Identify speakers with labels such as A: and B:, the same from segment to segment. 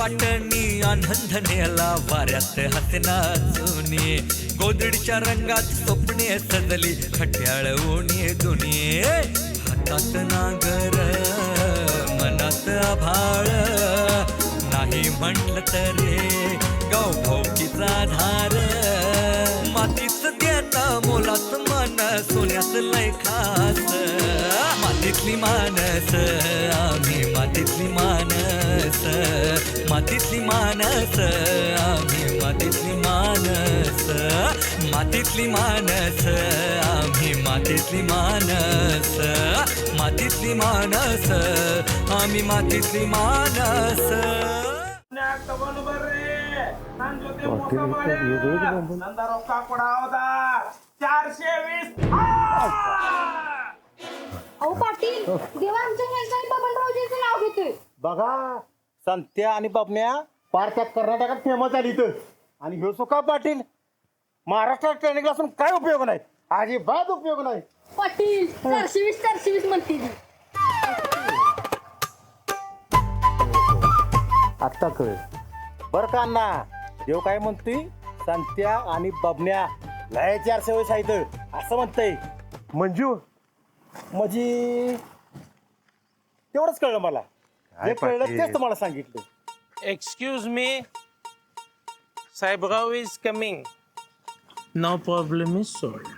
A: वाटणी आनंद नेला वाऱ्यात हसना जुनी गोदडीच्या रंगात स्वप्ने सजली खट्याळ ओणी दुनी हातात नागर मनात आभाळ नाही म्हटलं तरी गाव भाऊकीचा धार मातीच देता मोलात मन सोन्याच लय खास मातीतली मानस आम्ही मातीतली मानस मातीतली मानस आम्ही मातीतली मानस मातीतली मानस आम्ही मातीतली मानस मातीतली मानस आम्ही मातीतली मानस
B: अहो पाटील देवा आमच्या हेल्थाने बबनरावजींचं नाव घेतोय.
C: बघा संत्या आणि बाबण्या पार त्या कर्नाटकात फेमस आली इथं आणि ह्यो सुका पाटील महाराष्ट्रात ट्रेनिंग असून काय उपयोग नाही अजिबात उपयोग नाही.
B: पाटील 420 म्हणते ती.
C: आत्ता कळ बर का अण्णा देव काय म्हणतोय संत्या आणि बबण्या लय 400 आहेत असं म्हणतंय. मंजू म्हणजे तेवढंच कळलं मला जे कळलं तेच तुम्हाला सांगितलं.
D: Excuse me, Saibgav is coming. No problem is solved.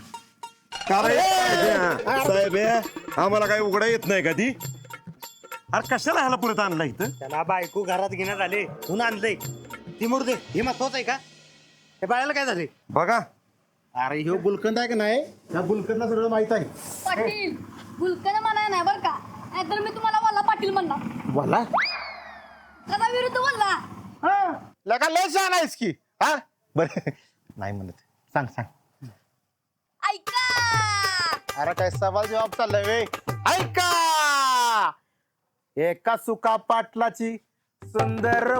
E: साहेब आम्हाला काही उघडा येत नाही का ती अरे कशाला ह्याला पुढे आणला इथं
C: त्याला बायको घरात घेण्यात आले म्हणून आणलंय ती मुर्दे हे महत्वाचं आहे का हे बाळाला काय झाले
E: बघा
C: अरे ह्यो गुलकंद आहे का नाही त्या गुलकंदला सगळं माहित आहे.
B: पाटील गुलकन म्हणाय नाही बरं का नाहीतर मी तुम्हाला वल्ला पाटील म्हणणार.
C: बोला
B: कदा विरुद्ध वल्ला.
C: लगा लय छान आहेस की हा बर नाही म्हणत सांग सांग.
B: ऐका
C: अरे काय सवाल जवाब चाललाय वे ऐका एका सुका पाटलाची सुंदर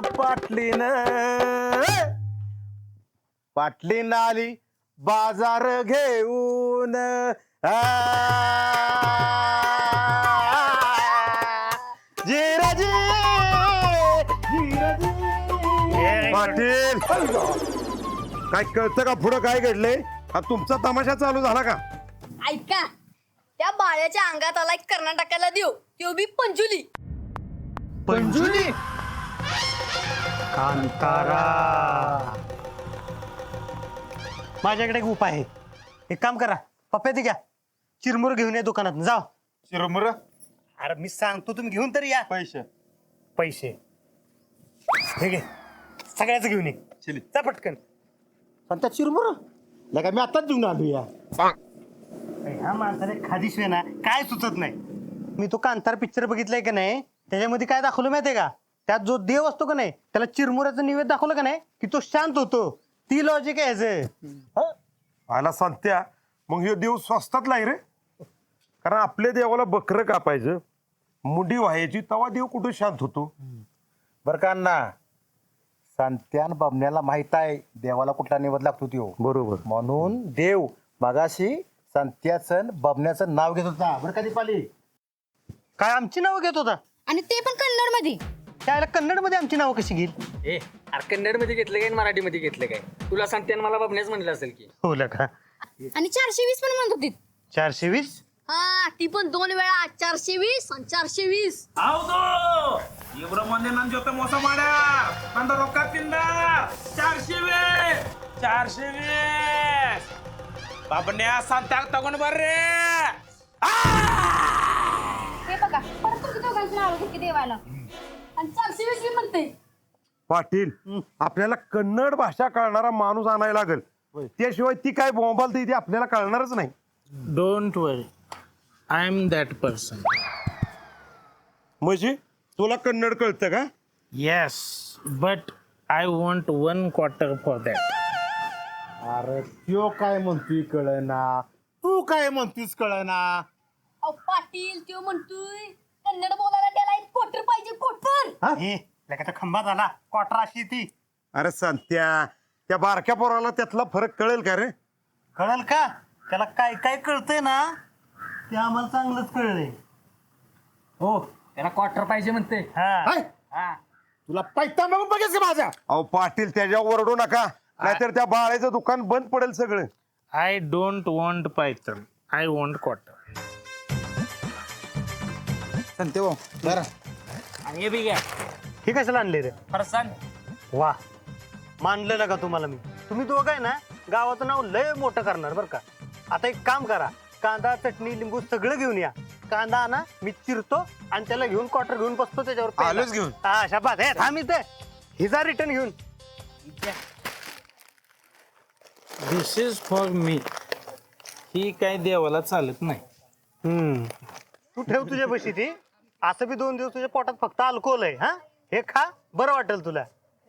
C: पाटलीन आली बाजार घेऊन जिराजी
E: पाटील काय कळतं का पुढं काय घडलंय हा तुमचा तमाशा चालू झाला का
B: ऐका त्या बाळ्याच्या अंगात आला एक कर्नाटकाला देऊ तो बी पंजुली.
C: पंजुली कांतारा माझ्याकडे एक उपाय आहे. एक काम करा पप्प्या ती घ्या चिरमुर घेऊन या दुकानात जाओ.
E: चिरमुर
C: अरे मी सांगतो तुम्ही घेऊन तरी या. पैसे हे घे सगळ्याच घेऊन ये जा पटकन. पण चिरमुर लगा मी आताच घेऊन आलो या. ह्या माणसाने खादीशिवाय ना काय सुचत नाही. मी तो कांतार पिक्चर बघितलाय का नाही त्याच्यामध्ये काय दाखवलं माहितीये का त्यात जो देव असतो का नाही त्याला चिरमुऱ्याचं निवेद दाखवलं का नाही की तो शांत होतो. ती लॉजिक आहे ह्याचं.
E: आला संत्या मग ह्यो देव स्वस्तात लाई रे कारण आपल्या देवाला बकरं कापायचं मुंडी व्हायची तवा देव कुठं शांत होतो.
C: बर का अण्णा संत्यान बबण्याला माहित आहे देवाला कुठला निवड लागतो त्यो
E: बरोबर
C: म्हणून देव मगाशी संत्याचं बबण्याचं नाव घेत होता बरं का दीपाली. काय आमची नावं घेत होता
B: आणि ते पण कन्नड मध्ये.
C: त्याला कन्नड मध्ये आमची नावं कशी घेईल.
F: ए अरे कन्नड मध्ये घेतलं काय मराठीमध्ये घेतलं काय तुला सांगते मला बाबण्याच म्हणलं असेल की
C: हो का
B: आणि 420 पण म्हणत होती.
C: 420
B: हा ती पण 2 वेळा 420 आणि 420.
D: ಹೌದು ಇಬ್ರು ಮಂದಿ ನನ್ನ ಜೊತೆ ಮೋಸ ಮಾಡ್ಯಾರ ನಂದ ರೊಕ್ಕ ತಿಂದ 420 ಬಾಬನ್ಯಾ ಸಂತ್ಯಾಗ ತಗೊಂಡ್ ಬರ್ರಿ.
B: हे बघा परत तुमच्या दोघांची नाव घेतली देवाला आणि 420 बी म्हणते.
E: पाटील आपल्याला कन्नड भाषा कळणारा माणूस आणायला लागेल त्याशिवाय ती काय बोंबालते ती आपल्याला कळणारच नाही.
D: Don't worry, I am that person.
E: म्हणजे तुला कन्नड कळतं का
D: Yes, but I want 1 quarter for that.
C: अरे त्यो काय म्हणतोय कळना तू काय म्हणतोस कळना.
B: अहो पाटील तो म्हणतोय कन्नड बोलायला त्याला एक कोटर पाहिजे कोटर.
C: खंबा झाला क्वार्टर अशी ती.
E: अरे संत्या त्या बारक्या पोराला त्यातला फरक कळेल का रे
C: कळल का त्याला काय काय कळतंय ना ते आम्हाला चांगलंच कळलंय.
F: हो त्याला क्वार्टर पाहिजे म्हणते
C: हा
F: हा
C: तुला पैता बघून बघेच का माझा?
E: अहो पाटील त्याच्यावर ओरडू नका, नाहीतर त्या बाळाचं दुकान बंद पडेल सगळं.
G: I don't want python, I want quarter.
C: सांगते भाऊ बरं.
F: आणि हे बी घ्या
C: हे कशाला आणले रे?
F: फरसान.
C: वा, मानलं ना का तुम्हाला मी? तुम्ही दोघं आहे ना गावाचं नाव लय मोठं करणार बरं का. आता एक काम करा, कांदा चटणी लिंबू सगळं घेऊन या. कांदा आणा, मी चिरतो आणि त्याला घेऊन क्वार्टर घेऊन बसतो त्याच्यावर प्यायला.
E: आलोच घेऊन.
C: हा शाबास. हे थांब इथे, हिजा रिटर्न घेऊन.
G: दिस इज फॉर मी. ही काय देवाला चालत नाही.
C: तू ठेव तुझ्या बशी ती. असं बी 2 दिवस तुझ्या पोटात फक्त अल्कोहोल आहे. हा, हे खा, बरं वाटेल तुला.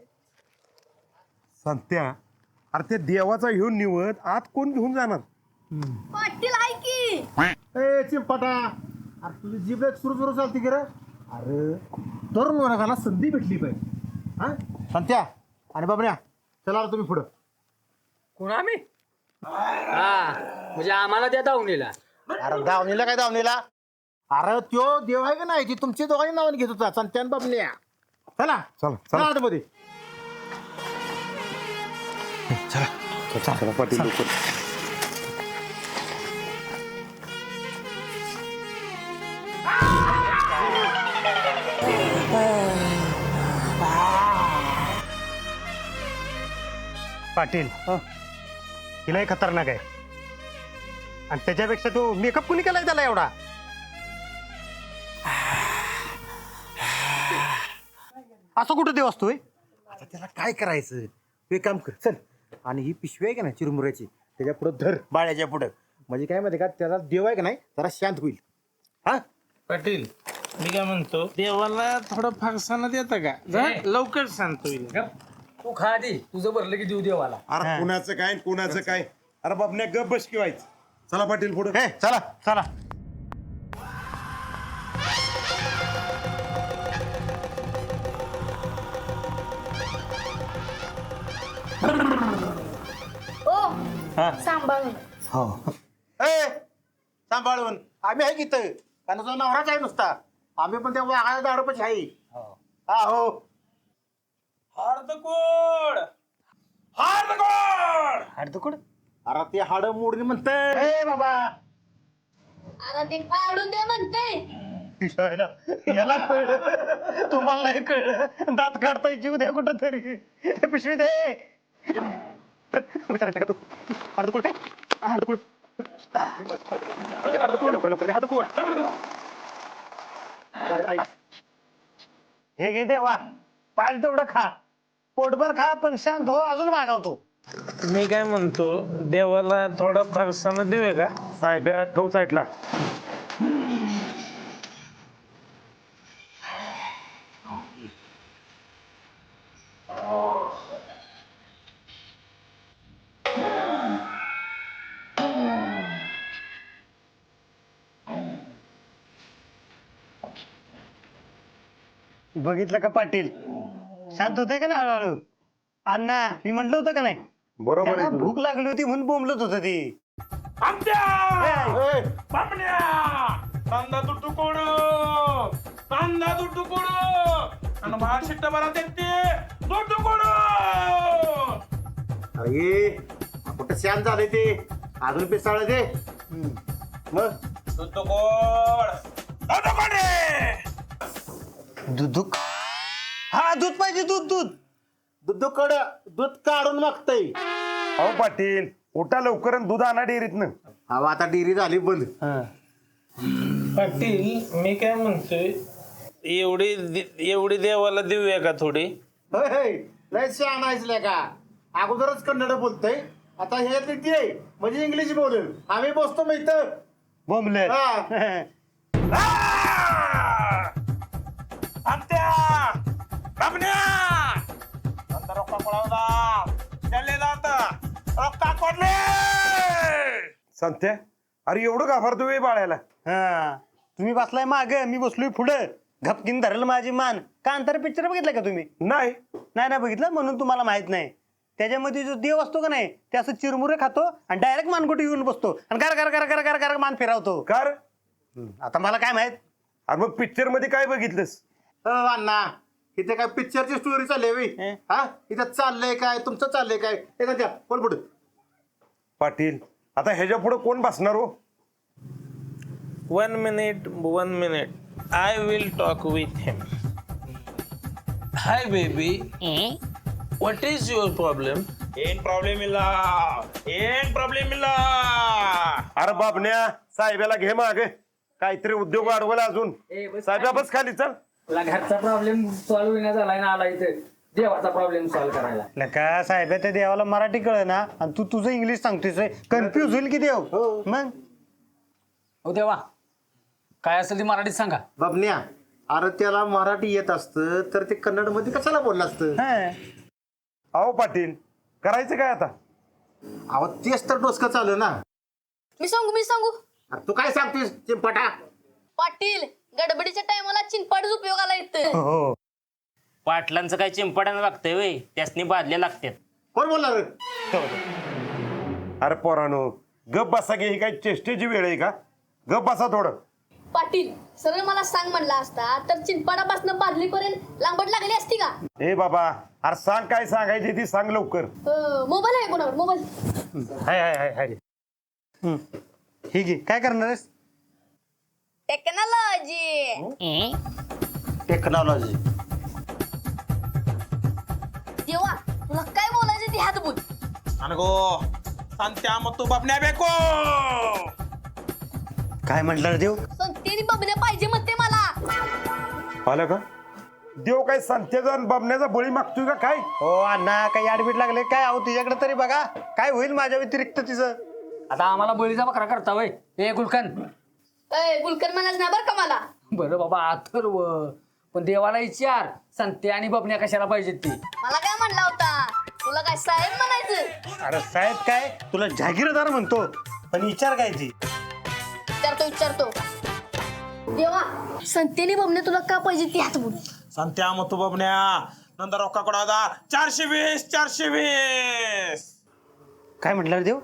E: संत्या, अरे ते देवाचा घेऊन निवड आत कोण घेऊन जाणार?
B: पाटील आहे की.
C: ए चिंपाटा, अरे तुझी जीभ सुरू सुरू चालते की रे? अरे तरुण वर्गाला संधी भेटली पाहिजे. हा संत्या आणि बाबऱ्या, चला तुम्ही पुढं.
F: कोण आम्ही? हा म्हणजे आम्हाला त्या दावणीला.
C: अरे दावणीला काय दावणीला? अरे त्यो देव आहे का नाही? ती तुमच्या दोघांनी नावाने घेत होता, संत्या आणि बाबल्या. चला
E: चला
C: चला आतमध्ये.
E: चला पाटील लवकर.
C: पाटील हिलाही खतरनाक आहे. आणि त्याच्यापेक्षा तो मेकअप कुणी केलाय त्याला एवढा? असं कुठं देव असतोय? आता त्याला काय करायचं? तू एक काम कर, चल आणि ही पिशवी आहे का ना चिरमुऱ्याची, त्याच्या पुढं धर, बाळ्याच्या पुढं. म्हणजे काय माहिती का, त्याला देव आहे का नाही जरा शांत होईल. हा
G: पाटील, मी काय म्हणतो, देवाला थोडं फारसाना देता का? जा, लवकर शांत होईल.
F: तू खा आधी, तुझं भरलं की देऊ देवाला.
E: अरे कुणाचं काय कुणाचं काय? अरे बाबण्या गप बस की व्हायचं. चला पाटील पुढे.
C: हे चला चला.
B: ओ सांभाळून.
C: ए सांभाळून, आम्ही आहे की इथं, कारण तो नवराच आहे नुसता. आम्ही पण त्या वाघाला दाडपच आहे. हा हो.
D: हार्दकोड हार्दकोड
C: हाडदुकुड? अरे ते हाड मोडणी म्हणतंय. ए बाबा,
B: आता ते काढून दे म्हणते.
C: याला कळलं, तुम्हाला नाही कळलं. दात काढताय जीव द्या कुठं तरी. पिशवी दे. विचारायचं का तू? हाडदुकुड काय? हाडदुकुड. हाडदुकुड. हे घे देवा, पाहिजे तेवढं खा, पोटभर खा, पण शांत हो, अजून मागवतो.
G: मी काय म्हणतो, देवाला थोडा फारसाना देऊया का?
E: साहेब ठेव साईडला.
C: बघितलं का पाटील, शांत होते का ना हळूहळू? अण्णा, मी म्हटलं होतं का नाही,
E: बरोबर
C: त्याला
E: आहे.
C: भूक लागली होती म्हणून बोंबलत होत ती.
D: आमच्या बापण्या कांदा तुटुकोड कांदा तुटुकोड आणि भात शिट्ट बरा देते तुटुकोड.
C: अरे कुठं शांत झाले ते, अजून पिसाळ ते. मग
D: तुटुकोड तुटुकोड
C: दूध, हा दूध पाहिजे, दूध दूध दूध दूध काढून मागतय.
E: अहो पाटील, उठा लवकर आणि दूध आणा डेअरीतनं.
C: हवा आता डेअरी झाली बंद.
G: पाटील, मी काय म्हणतोय, एवढी देवाला देऊया का थोडी?
C: लय शहाणा आहेस का? अगोदरच कन्नड बोलतोय, आता हे आहे म्हणजे इंग्लिश बोलेल. आम्ही बसतो मग इथं बोंबले.
D: आमच्या बापण्या कांदा रोका पळावला चालले जात रोका कोडले.
E: संत्या, अरे एवढं घाबरतो वे बाळ्याला?
C: हा, तुम्ही बसलाय माग, मी बसलोय पुढं. घपकीन धरलं माझी मान. कांतारा पिक्चर बघितलं का तुम्ही?
E: नाही.
C: नाही बघितलं म्हणून तुम्हाला माहित नाही. त्याच्यामध्ये जो देव असतो का नाही, ते असं चिरमुरे खातो आणि डायरेक्ट मानकोटी येऊन बसतो आणि कर कर कर कर कर कर मान फिरवतो.
E: कार?
C: आता मला काय माहित?
E: अरे मग पिक्चर मध्ये काय बघितलंस?
C: अण्णा, इथे काय पिक्चरची स्टोरी चालली आहे बे? हा इथं चाललंय काय तुमचं चाललंय काय हे का द्या बोल पुढे.
E: पाटील आता ह्याच्या पुढे कोण बसणार हो?
G: 1 minute. I will talk with him. Hi, baby. What is your problem?
D: ಏನ್ ಪ್ರಾಬ್ಲಮ್ ಇಲ್ಲ
E: अरे बाबण्या साहेबाला घे माग काहीतरी उद्योग वाढवला अजून. साहेबा बस खाली चल.
F: तुला घरचा प्रॉब्लेम सॉल्व्ह होईना झालाय ना आला इथे देवाचा प्रॉब्लेम सॉल्व्ह करायला.
C: नका साहेब त्या देवाला मराठी कळ ना आणि तू तुझं इंग्लिश सांगतोय कन्फ्युज होईल की देव. मग
F: हो देवा काय असेल ती मराठीत सांगा.
C: बाबन्या अरे त्याला मराठी येत असतं तर ते कन्नड मध्ये कशाला बोललं असतं.
E: अहो पाटील करायचं काय आता?
C: अहो तेच तर डोसकं चालू ना.
B: मी सांगू
C: अरे तू काय सांगतोस चिंपाटा.
B: पाटील गडबडीच्या टायमाला चिंपाडच उपयोगाला येतं.
C: हो
H: पाटलांचं काय चिंपाड्यानं लागतंय वय त्यासनी बादल्या लागतात.
C: कोण बोलणार
E: अरे पोरानो गप बसा घे. ही काय चेष्टेची वेळ आहे का? गप बसा थोडं.
B: पाटील सरळ मला सांग म्हणला असता तर चिंपाडापासून बादलीपर्यंत लांबट लागली असती का?
E: ए बाबा अरे सांग काय सांगायची ती सांग लवकर.
B: मोबाईल आहे कोणावर मोबाईल?
C: हाय हे घे काय करणार आहेस.
B: Technology
C: technology.
B: देवा तुला काय बोलायचं ते हात बोल.
D: ನನಗೋ ಸಂತ್ಯಾ ಮತ್ತು ಬಬ್ನ್ಯಾ ಬೇಕು.
C: काय म्हटलं देव.
B: संतेरी बबण्या पाहिजे म्हणते मला.
E: आलं का? देव काय संत्याचा आणि बबण्याचा बळी मागतोय का काय?
C: हो अण्णा काही आडबीट लागले काय. अहो तुझ्याकडे तरी बघा काय होईल माझ्या व्यतिरिक्त तिचं.
F: आता आम्हाला बळीचा बकरा करता वय ए गुलकन.
B: गुलकर म्हणाच ना बरं का मला.
F: बरं बाबा अथर्व पण देवाला विचार संते आणि बबण्या कशाला पाहिजेत ती.
B: मला काय म्हणला होता तुला काय साहेब म्हणायचं?
C: अरे साहेब काय तुला जहागीरदार म्हणतो पण विचार काय ती.
B: विचारतो देवा संतेनी बबण्या तुला का पाहिजे ती हात बोल.
D: ಸಂತ್ಯಾ ಮತ್ತು ಬಬ್ನ್ಯಾ ನಂದ ರೊಕ್ಕ ಕೊಡೋದ 420.
C: काय म्हटलं रे देव.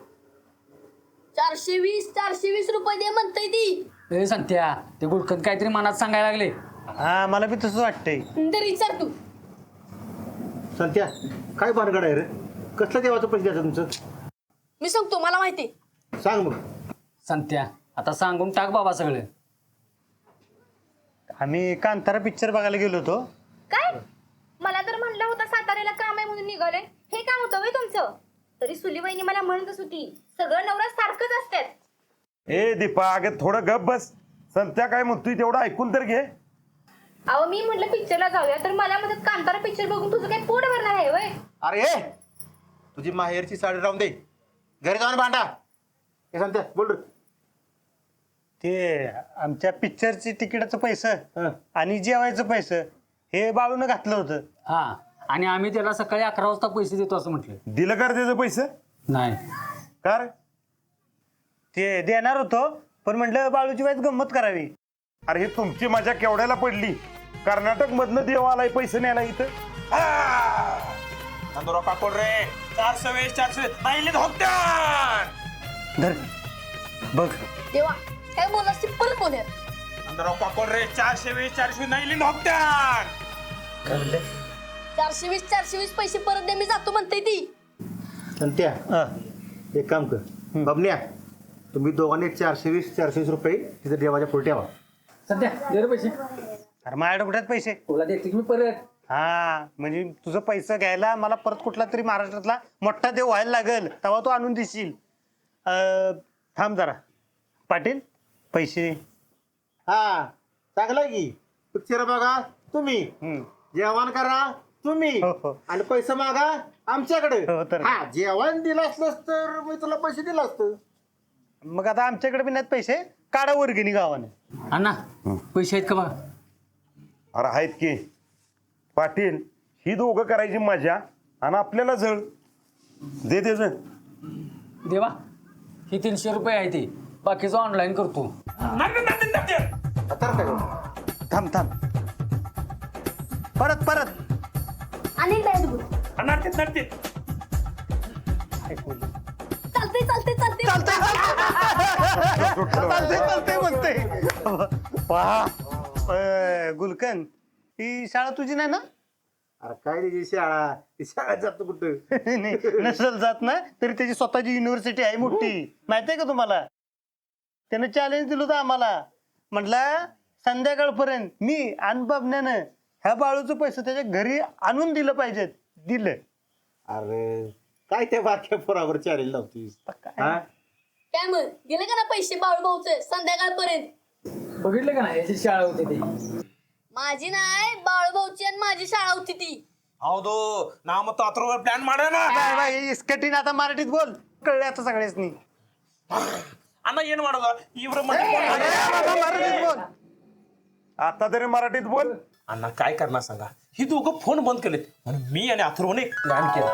B: 420 रुपये दे म्हणतय ती.
F: ए संत्या ते गुलकन काहीतरी मनात सांगायला लागले.
C: हा मला बी तसंच वाटतंय.
B: तर विचार तू.
C: संत्या काय भानगड आहे रे. कसलं देवाचं पैसे द्यायचं तुमचं.
B: मी सांगतो मला माहिती.
C: सांग मग.
F: संत्या आता सांगून टाक बाबा सगळे.
C: आम्ही कांतारा पिक्चर बघायला गेलो होतो.
I: काय मला तर म्हणलं होतं साताऱ्याला काम आहे म्हणून निघाले. हे काम होतं वय तुमचं. तरी सुलीबाईनी मला म्हणतच होती सगळं नवरा सारखंच असतात.
E: ए दीपा अगं थोडं गप बस. संत्या काय म्हणतोय तेवढं ऐकून तर घे.
I: अहो मी म्हटलं पिक्चरला जाऊया तर मला म्हणत कांतारा पिक्चर बघून तुझं काय पोट भरणार आहे वय.
C: अरे हे तुझी माहेरची साडी राहून दे घरी जाऊन भांडा. हे संत्या बोल रे. ते आमच्या पिक्चरची तिकिटाचं पैसे आणि जेवायचं पैसे हे बाळून घातलं होतं.
F: हा आणि आम्ही त्याला सकाळी 11 वाजता पैसे देतो असं म्हटलं.
E: दिलं का रे त्याचं पैसे?
F: नाही
E: का रे?
C: ते देणार होतो पण म्हटलं बाळूची वाईच गंमत करावी.
E: अरे हे तुमची मजा केवढ्याला पडली. कर्नाटक मधनं देव आलाय पैसे न्यायला इथं.
D: ನಂದು ರೊಕ್ಕ ಕೊಡ್ರಿ 420 ನಾ ಇಲ್ಲಿಂದ ಹೋಗ್ತೇನೆ.
C: धर बघ.
B: देवा काय बोलास ती परत बोल.
D: ನಂದು ರೊಕ್ಕ ಕೊಡ್ರಿ 420 ನಾ इಲ್ಲಿंದ ಹೋಗ್ತೇನೆ.
C: काय म्हणले
B: 420 पैसे परत दे मी जातो म्हणते ती.
C: संत्या एक काम कर बबन्या तुम्ही दोघांनी 420 रुपये तिथे देवाच्या पुढे ठेवा.
F: सध्या दे रे पैसे.
C: अरे माझ्याकडे कुठे आहेत पैसे.
F: तुला देते की मी परत.
C: हा म्हणजे तुझं पैसे घ्यायला मला परत कुठला तरी महाराष्ट्रातला मोठा देव व्हायला लागेल तेव्हा तू आणून देशील. थांब जरा पाटील पैसे. हा चांगलं की पिक्चर बघा तुम्ही जेवण करा तुम्ही आणि पैसे मागा आमच्याकडे. हा जेवण दिलं असलंस तर मी तुला पैसे दिलं असतं. मग आता आमच्याकडे बी नाहीत पैसे काढा वर्गणी गावाने.
F: अण्णा पैसे आहेत का बघा.
E: अरे आहेत की पाटील ही दोघं करायची मजा आणि आपल्याला जळ दे त्याच.
F: देवा ही 300 रुपये आहे ती बाकीचं ऑनलाईन करतो.
C: थांब थांब परत परत
B: अनेक काय बोल.
D: नडते
B: चालते
C: म्हणते. गुलकन ही शाळा तुझी नाही ना. अरे काय त्याची शाळा ती शाळेत जातो कुठं नसेल जात ना तरी त्याची स्वतःची युनिव्हर्सिटी आहे मोठी माहितीये का तुम्हाला? त्यानं चॅलेंज दिलं होतं आम्हाला. म्हटलं संध्याकाळपर्यंत मी आणि बबण्यानं ह्या बाळूचं पैसे त्याच्या घरी आणून दिलं पाहिजेत. दिलं. अरे काय त्या बारक्या पोरावर चॅलेंज लावतीस?
B: काय मग गेले का ना पैसे बाळू भाऊचे संध्याकाळपर्यंत?
F: बघितलं का नाही याची शाळा होती ती.
B: माझी नाही बाळू भाऊची आणि माझी शाळा होती ती.
D: ಹೌದು ನಾ ಮತ್ತು ಅದ್ರ ಪ್ಲಾನ್ ಮಾಡೋಣ
C: काय बाई इस्कटीन आता मराठीत बोल. कळलं आता सगळ्यासनी.
D: ಅಣ್ಣ ಏನ್ ಮಾಡೋದು ಇವ್ರ मध्ये
C: मराठीत बोल.
E: आता तरी मराठीत बोल.
D: अण्णा काय करणार सांगा ही दोघं फोन बंद केलेत म्हणून मी आणि अथर्वने प्लॅन केला.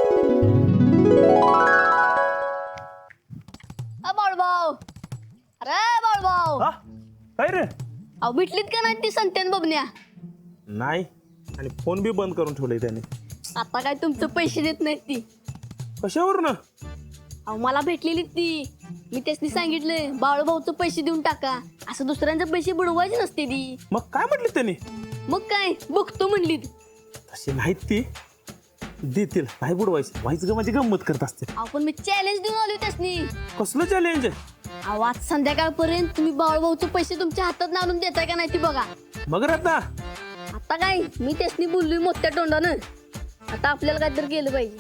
B: बाळू भाऊ अरे बाळू भाऊ
D: काय रे
B: अहो भेटलीत का नाही ती संत्यान बबन्या?
D: नाही आणि फोन बी बंद करून ठेवले त्याने.
B: आता काय तुमचं पैसे देत नाहीत ती.
D: कशावर ना
B: अहो मला भेटलेली ती. मी त्यासनी सांगितलं बाळू भाऊचं पैसे देऊन टाका असं दुसऱ्यांचे पैसे बुडवायचे नसते ती.
D: मग काय म्हटले त्याने?
B: मग काय बघतो म्हणली.
D: तशी नाहीत ती देतील नाही बुडवायचं व्हायचं का माझी गंमत करत असते.
B: अहो पण मी चॅलेंज देऊन आलो त्यासनी.
D: कसलं चॅलेंज?
B: अहो आज संध्याकाळपर्यंत तुम्ही बाळू भाऊचे पैसे तुमच्या हातात आणून देताय का नाही ती बघा.
D: मग आता
B: आता काय मी त्यासनी बोललोय मोठ्या तोंडानं. आता आपल्याला काहीतरी केलं पाहिजे.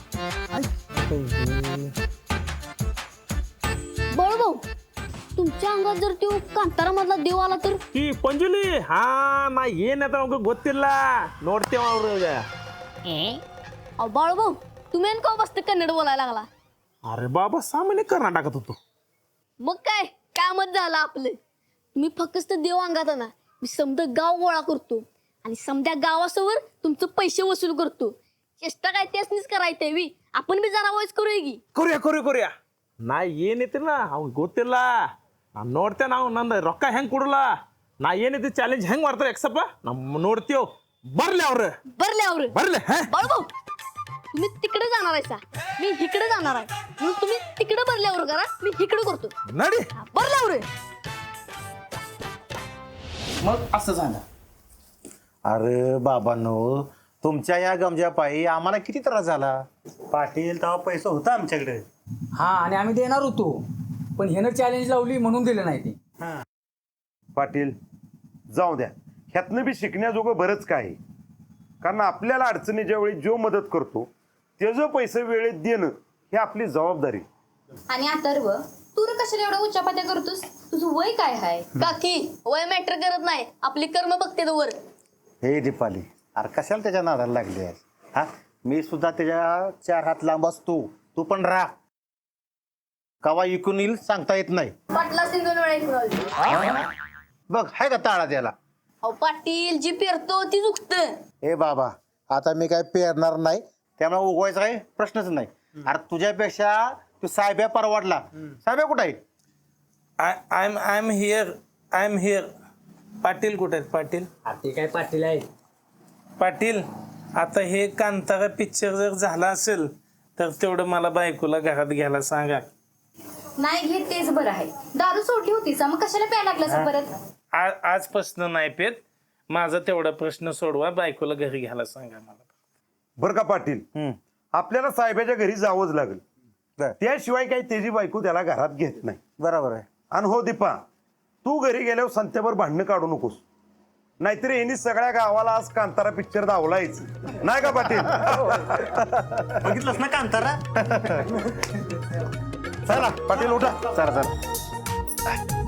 B: बाळू भाऊ तुमच्या अंगात जर तो कांतारा मधला देव आला तर?
D: ಈ ಪಂಜುಲಿ ಹಾ ನಾ ಏನಂತ ಅವ್ಗ ಗೊತ್ತಿಲ್ಲ ನೋಡ್ತೇವ ಅವ್ರ.
B: अहो बाळू भाऊ तुम्ही आणि का बसते कन्नड बोलायला लागला?
D: अरे बाबा सामान्य कर्नाटकात होतो.
B: मग काय कामच झालं आपलं. तुम्ही फक्त देव अंगात आणा मी समजा गाव गोळा करतो आणि समध्या गावासमोर तुमचं पैसे वसूल करतो. चेष्टा काय त्यासनीच करायचंय वी आपण बी जरा वॉइस करूया की.
D: ಕೊರಿಯಾ ನಾ ಏನೈತಿಲ್ಲ ಅವ್ನ್ ಗೊತ್ತಿಲ್ಲ ನಾ ನೋಡ್ತೇವೆ ನಾವು ನಂದು ರೊಕ್ಕ ಹೆಂಗ್ ಕೊಡಲ್ಲ ನಾ ಏನೈತಿ ಚಾಲೆಂಜ್ ಹೆಂಗ್ ಮಾಡ್ತಾರೆ ಎಕ್ಸಪ್ಪ ನಮ್ಮ ನೋಡ್ತೀವ್ ಬರ್ಲಿ ಅವ್ರು
B: बरल्यावर
D: ಬರ್ಲಿ
B: बाळू भाऊ तुम्ही तिकडे जाणार आहे सा मी इकडे जाणार आहे म्हणून तुम्ही तिकडे बरल्यावर करा मी इकडे करतो.
D: नडी
B: बरल्यावर
F: मग असं झालं.
C: अरे बाबांनो तुमच्या या गमजा पायी आम्हाला किती त्रास झाला. पाटील तेव्हा पैसा होता आमच्याकडे.
F: हा आणि आम्ही देणार होतो पण ह्यानं चॅलेंज लावली म्हणून दिलं नाही ते.
E: पाटील जाऊ द्या ह्यातनं बी शिकण्याजोगं बरंच काय आहे. कारण आपल्याला अडचणीच्या वेळी जो मदत करतो त्याचं पैसे वेळेत देणं ही आपली जबाबदारी.
I: आणि अथर्व तू रे कशाला एवढं उच्चापात्या करतोस? तुझं वय काय आहे?
B: काकी वय मॅटर करत नाही आपली कर्म बघते वर.
C: हे दीपाली अरे कशाला त्याच्या नादाला लागली आहेस? हा मी सुद्धा त्याच्या 4 हात लांब असतो. तू पण राह. कवा इकून येईल सांगता येत नाही.
B: पाटला सिंग 2 वेळा ऐकून आली.
C: बघ हाय का ताळा त्याला?
B: अहो पाटील जी पेरतो ती चुकत.
C: ए बाबा आता मी काय पेरणार नाही त्यामुळे उगवायचा काही प्रश्नच नाही. अरे तुझ्यापेक्षा तू साहेब्या परवडला. साहेब्या कुठं आहे?
G: I am here. पाटील कुठे आहेत पाटील?
F: ते काय पाटील आहेत.
G: पाटील आता हे कांतारा पिक्चर जर झाला असेल तर तेवढं मला बायकोला घरात घ्यायला सांगा.
I: नाही घेत तेच बरं आहे. दारू सोडली होतीस मग कशाला प्यायला लागलास परत?
G: आजपासून नाही पेत. माझा तेवढा प्रश्न सोडवा बायकोला घरी घ्यायला सांगा मला.
E: बरं का पाटील आपल्याला साहेबाच्या घरी जावंच लागेल.
C: बरं.
E: त्याशिवाय काही त्याची बायको त्याला घरात घेत नाही.
C: बरोबर आहे.
E: आणि हो दीपा तू घरी गेल्यावर संत्यावर भांडणं काढू नकोस. नाहीतर यांनी सगळ्या गावाला आज कांतारा पिक्चर दावलायच नाही का पाटील?
C: बघितलंस ना कांतारा?
E: चला पाटील उठा.
C: चला चला